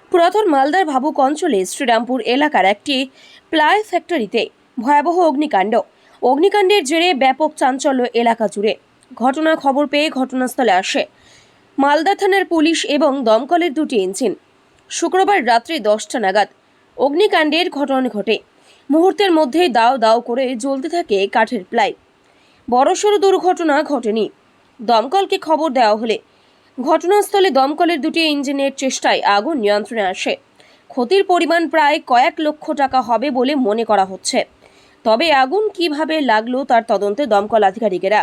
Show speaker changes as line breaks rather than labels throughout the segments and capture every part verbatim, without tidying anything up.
পুরাতন মালদার ভাবুক অঞ্চলে শ্রীরামপুর এলাকার একটি প্লাই ফ্যাক্টরিতে ভয়াবহ অগ্নিকাণ্ড। অগ্নিকাণ্ডের জেরে ব্যাপক চাঞ্চল্য এলাকা জুড়ে। ঘটনার খবর পেয়ে ঘটনাস্থলে আসে মালদা থানার পুলিশ এবং দমকলের দুটি ইঞ্জিন। শুক্রবার রাত্রি দশটা নাগাদ অগ্নিকাণ্ডের ঘটনা ঘটে। মুহূর্তের মধ্যেই দাও দাও করে জ্বলতে থাকে কাঠের প্লাই। বড়সড় দুর্ঘটনা ঘটেনি। দমকলকে খবর দেওয়া হলে ঘটনাস্থলে দমকলের দুটি ইঞ্জিনের চেষ্টায় আগুন নিয়ন্ত্রণে আসে। ক্ষতির পরিমাণ প্রায় কয়েক লক্ষ টাকা হবে বলে মনে করা হচ্ছে। তবে আগুন কিভাবে লাগলো তার তদন্তে দমকল আধিকারিকেরা।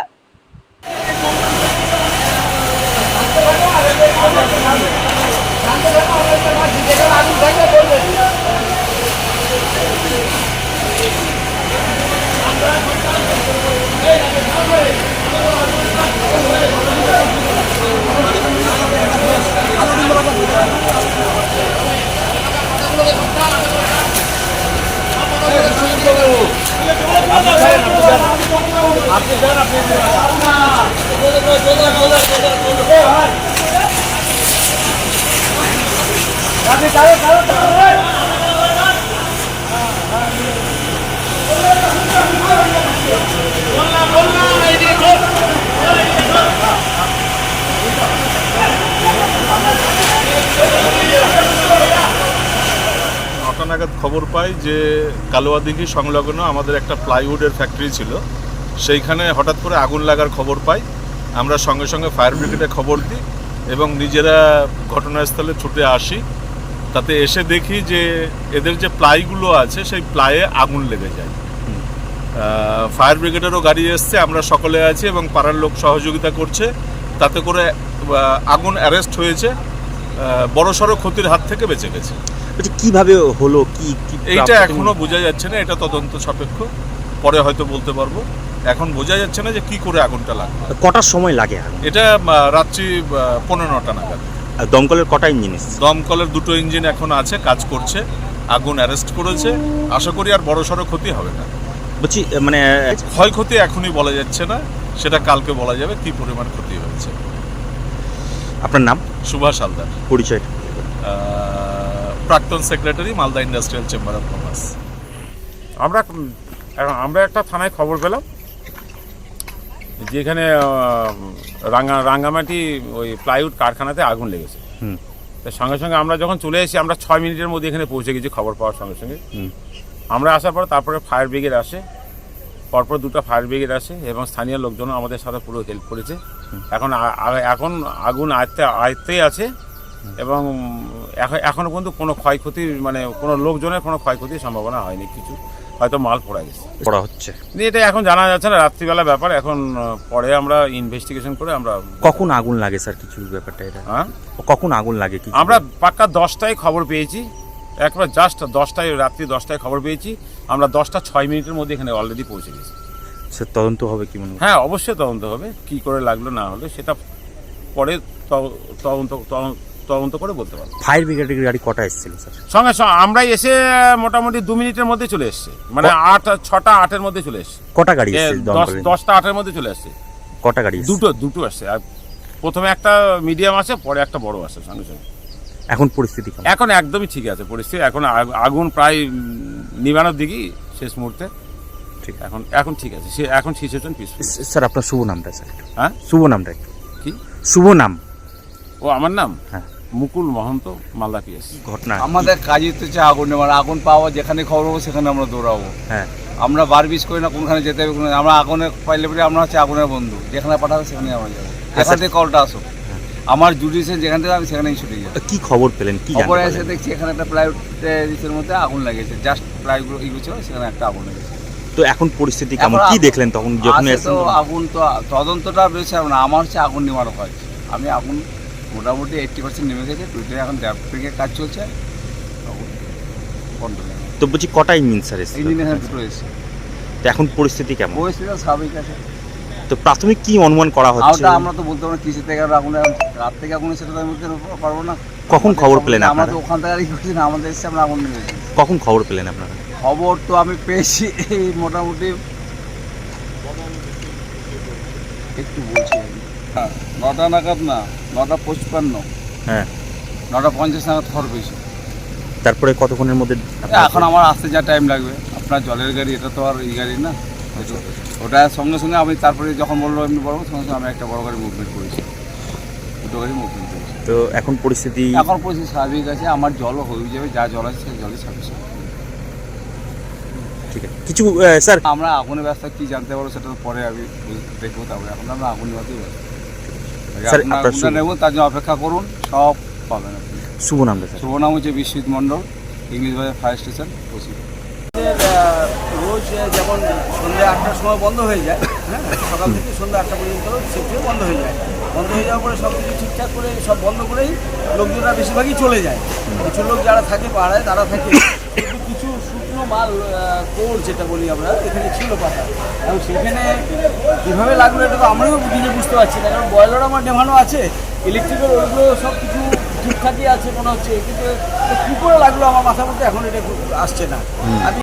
নটা নাগাদ খবর পাই যে কালোয়াদিঘি সংলগ্ন আমাদের একটা প্লাইউডের ফ্যাক্টরি ছিল, সেইখানে হঠাৎ করে আগুন লাগার খবর পাই। আমরা সঙ্গে সঙ্গে ফায়ার ব্রিগেডে খবর দিই এবং নিজেরা ঘটনাস্থলে ছুটে আসি। তাতে এসে দেখি যে এদের যে প্লাইগুলো আছে সেই প্লাইয়ে আগুন লেগে যায়। ফায়ার ব্রিগেডেরও গাড়ি এসছে, আমরা সকলে আছি এবং পাড়ার লোক সহযোগিতা করছে। তাতে করে আগুন অ্যারেস্ট হয়েছে, বড়সড় ক্ষতির হাত থেকে বেঁচে গেছে।
কিভাবে হলো কি
এইটা এখনো বোঝা যাচ্ছে না, এটা তদন্ত সাপেক্ষ, পরে হয়তো বলতে পারবো। এখন বোঝা যাচ্ছে না যে কি করে আগুনটা লাগবে।
কটার সময় লাগে?
এটা রাত্রি পনেরো নটা নাগাদ।
দমকলের কটা ইঞ্জিন এসেছে?
দমকলের দুটো ইঞ্জিন এখন আছে, কাজ করছে, আগুন অ্যারেস্ট করেছে। আশা করি আর বড়সড় ক্ষতি হবে না।
বলছি মানে
ক্ষয়ক্ষতি এখনই বলা যাচ্ছে না, সেটা কালকে বলা যাবে কি পরিমাণ ক্ষতি হয়েছে।
আপনার নাম?
সুভাষ হালদার।
পরিচয়?
প্রাক্তন secretary, Malda industrial chamber of commerce.
আমরা আমরা একটা থানায় খবর পেলাম যেখানে রাঙ্গা রাঙ্গামাটি ওই প্লাইউড কারখানাতে আগুন লেগেছে। তার সঙ্গে সঙ্গে আমরা যখন চলে এসেছি, আমরা ছয় মিনিটের মধ্যে এখানে পৌঁছে গেছি খবর পাওয়ার সঙ্গে সঙ্গে। আমরা আসার পর তারপরে ফায়ার ব্রিগেড আসে, পরপর দুটো ফায়ার ব্রিগেড আসে এবং স্থানীয় লোকজনও আমাদের সাথে পুরো হেল্প করেছে। এখন এখন আগুন আয়ত্তে আয়ত্তেই আছে এবং এখনও পর্যন্ত কোনো ক্ষয়ক্ষতির মানে কোনো লোকজনের কোনো ক্ষয়ক্ষতির সম্ভাবনা হয়নি। কিছু হয়তো মাল পড়া গেছে,
পড়া হচ্ছে,
এটা এখন জানা যাচ্ছে না, রাত্রিবেলা ব্যাপার। এখন পরে আমরা ইনভেস্টিগেশন করে আমরা।
কখন আগুন লাগে স্যার কিছু ব্যাপারটা এটা? হ্যাঁ, কখন আগুন লাগে?
আমরা পাক্কা দশটায় খবর পেয়েছি, একবার জাস্ট দশটায়, রাত্রি দশটায় খবর পেয়েছি। আমরা দশটা ছয় মিনিটের মধ্যে এখানে অলরেডি পৌঁছে গেছি।
স্যার তদন্ত হবে কি মনে হয়?
হ্যাঁ, অবশ্যই তদন্ত হবে, কি করে লাগলো না হলো সেটা পরে তদন্ত তদন্ত করে বলতে পারবো।
ফায়ার ব্রিগেডের গাড়ি কটা এসেছিল স্যার?
সঙ্গে সঙ্গে আমরাই এসে মোটামুটি দু মিনিটের মধ্যে চলে এসছে, মানে আট ছটা আটের মধ্যে চলে এসছে।
কটা গাড়ি এসছে?
দশটা আটের মধ্যে চলে আসছে।
কটা গাড়ি? দুটো
দুটো আসছে। আর প্রথমে একটা মিডিয়াম আছে, পরে একটা বড় আসছে সঙ্গে সঙ্গে।
এখন পরিস্থিতি
এখন একদমই ঠিক আছে পরিস্থিতি। এখন আগুন প্রায় নিবানোর দিকেই, শেষ মুহূর্তে। ঠিক এখন এখন ঠিক আছে, সে এখন সিচুয়েশন পিসফুল।
স্যার আপনার শুভ নামটা স্যার?
হ্যাঁ,
শুভ নামটা একটু
কি?
শুভ নাম?
ও আমার নাম?
হ্যাঁ,
মুকুল মহন্ত, মালদা পিএস।
ঘটনা
আমাদের কাজই তো হচ্ছে আগুন নেওয়ার। আগুন পাওয়া যেখানে খবর পাবো সেখানে আমরা দৌড়াবো।
হ্যাঁ,
আমরা বার বিষ করি না কোনখানে যেতে হবে। আমরা আগুনে পাইলে পরে আমরা হচ্ছে আগুনের বন্ধু, যেখানে পাঠাবো সেখানে আমরা যাবো। যেখান থেকে কলটা আসো, আমার জুডিশন যেখান থেকে আমি সেখানেই ছুটে যাই।
কি খবর পেলেন? কি
খবর এসে দেখছি এখানে একটা প্লাইউডের মধ্যে আগুন লেগেছে, জাস্ট প্লাইগুলো ইগুলো ছিল, সেখানে একটা আগুন লেগেছে।
তো এখন পরিস্থিতি কেমন, কি দেখলেন তখন যখন?
তো আগুন তো তদন্তটা রয়েছে না, আমার হচ্ছে আগুন নেওয়ার কাজ। আমি আগুন মোটামুটি এইট্টি পার্সেন্ট নেমে গেছে, টুইটারে এখন ড্যাপের কাজ চলছে।
তো বলছি কটা ইঞ্জিন স্যার এসেছে?
ইঞ্জিন এখানে দুটো এসেছে।
তো এখন পরিস্থিতি কেমন?
পরিস্থিতি স্বাভাবিক আছে।
তো প্রাথমিক কি অনুমান করা হচ্ছে?
আমরা তো বলতে পারবো কিসের থেকে আগুন, রাত থেকে আগুন সেটা আমি বলতে পারবো না।
কখন খবর পেলেন আপনারা?
আমরা তো ওখান থেকে করছি না, আমাদের এসে আমরা আগুন নিয়ে গেছি।
কখন খবর পেলেন আপনারা?
খবর তো আমি পেয়েছি এই মোটামুটি একটু বলছি নটা নাগাদ, না নটা পঁচপান্ন,
হ্যাঁ
নটা পঞ্চাশ নাগাদ খবর পেয়েছি।
তারপরে কতক্ষণের মধ্যে
এখন আমার আসতে যা টাইম লাগবে, আপনার জলের গাড়ি, এটা তো আর এই গাড়ি না, ওটা সঙ্গে সঙ্গে আমি তারপরে যখন বললো এমনি বড় সঙ্গে সঙ্গে আমি একটা বড় গাড়ি মুভমেন্ট করেছি, দুটো গাড়ি মুভমেন্ট করেছি।
তো এখন পরিস্থিতি
এখন পরিস্থিতি স্বাভাবিক আছে, আমার জলও হয়ে যাবে, যা জল আছে সেই জলই সাফিসিয়েন্ট।
ঠিক আছে, কিছু আহ, স্যার
আমরা আগুনের ব্যবস্থা কি জানতে পারবো সেটা তো পরে আমি দেখবো, তারপরে এখন আমরা আগুন নেওয়াতেই ব্যস্ত।
স্যার,
আপনার
আপনার
আগুনটা
শুভ-
নেব, তার জন্য অপেক্ষা করুন, সব পাবেন আপনি।
শুভ নামটা স্যার?
শুভ নাম হচ্ছে Biswajit Mondal, English Bazar fire station, পশ্চিম। রোজ যেমন সন্ধ্যা আটটার সময় বন্ধ হয়ে যায়, হ্যাঁ, সকাল থেকে সন্ধ্যা আটটা পর্যন্ত সেটিও বন্ধ হয়ে যায়। বন্ধ হয়ে যাওয়ার পরে সব কিছু ঠিকঠাক করে সব বন্ধ করেই লোকজনরা বেশিরভাগই চলে যায়। কিছু লোক যারা থাকে পাড়ায় তারা থাকে, কিন্তু কিছু শুকনো মাল কোর যেটা বলি আমরা, এখানে ছিল পাতা, এবং সেখানে কীভাবে লাগলো এটা তো আমরাও নিজে বুঝতে পারছি না, কারণ বয়লার আমার নেভানো আছে, ইলেকট্রিক্যাল ওইগুলো সব কিছু ঠিকঠাকই আছে মনে হচ্ছে, কিন্তু কী করে লাগলো আমার মাথার মধ্যে এখন এটা আসছে না। আমি